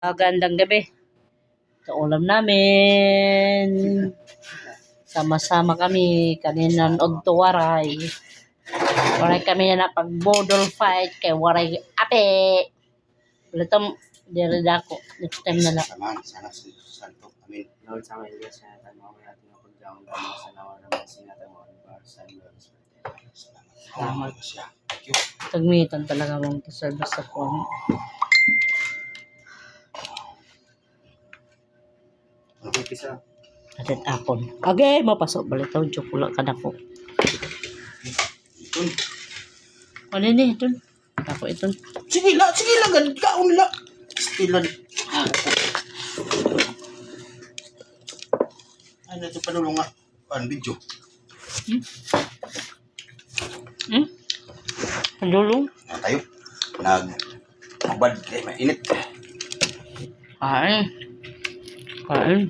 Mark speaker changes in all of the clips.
Speaker 1: Magandang gabi. Ito ulam namin. Sama-sama kami. Kaninan og tuwaray. Waray kami na pag-bodol fight kay waray ape. Ulitom, diri dako. Next time na lang.
Speaker 2: Samahan, sana sa Santo. Amin.
Speaker 3: Lord, sa mga Diyos na tanong ang ating pagdaong kami sa nawa ng mga sinatawag para sa Lord.
Speaker 2: Salamat siya. Thank you.
Speaker 1: Tagmitan talaga mong serve sa phone.
Speaker 2: Okay, pisa.
Speaker 1: Atit akon. Agay, mapasok balik taon. Chokula ka na ko.
Speaker 2: Itun.
Speaker 1: Ano ni? Ito. Ako ito.
Speaker 2: Sige la. Kaon la. Stilan. Ano ito panulong nga? Paan video?
Speaker 1: Pandulong.
Speaker 2: Tayo. Mabad. Mainit.
Speaker 1: Kain. Kain.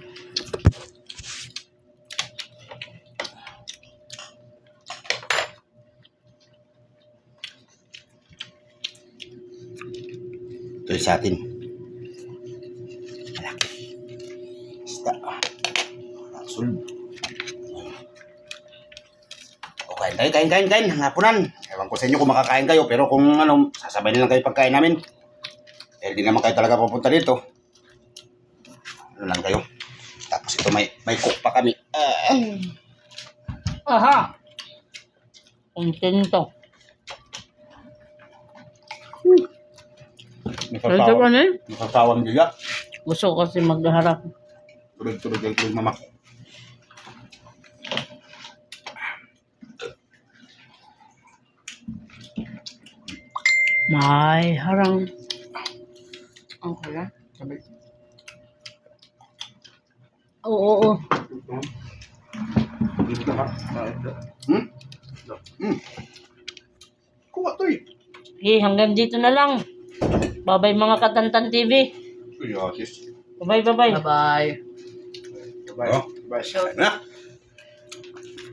Speaker 2: Ito sa atin. Malaki. Isda. Sul. O, kain. Hapunan. Ewan ko sa inyo kung makakain kayo, pero kung ano, sasabay na lang kayo pagkain namin. Dahil di naman kayo talaga pupunta dito. Ano lang kayo. Tapos ito may cook pa kami.
Speaker 1: Aha. Kontento. Ito ka na eh.
Speaker 2: Nakasawang diya.
Speaker 1: Gusto ko kasi magharap.
Speaker 2: Tulog yung mama.
Speaker 1: May harang. Ang kaya?
Speaker 2: Sabi.
Speaker 1: Oo.
Speaker 2: Dito ka. Kuha to eh.
Speaker 1: Okay, hanggang dito na lang. Bye-bye mga Katantan TV.
Speaker 2: Yes.
Speaker 1: Bye-bye.
Speaker 3: Bye-bye.
Speaker 2: Bye. Bye.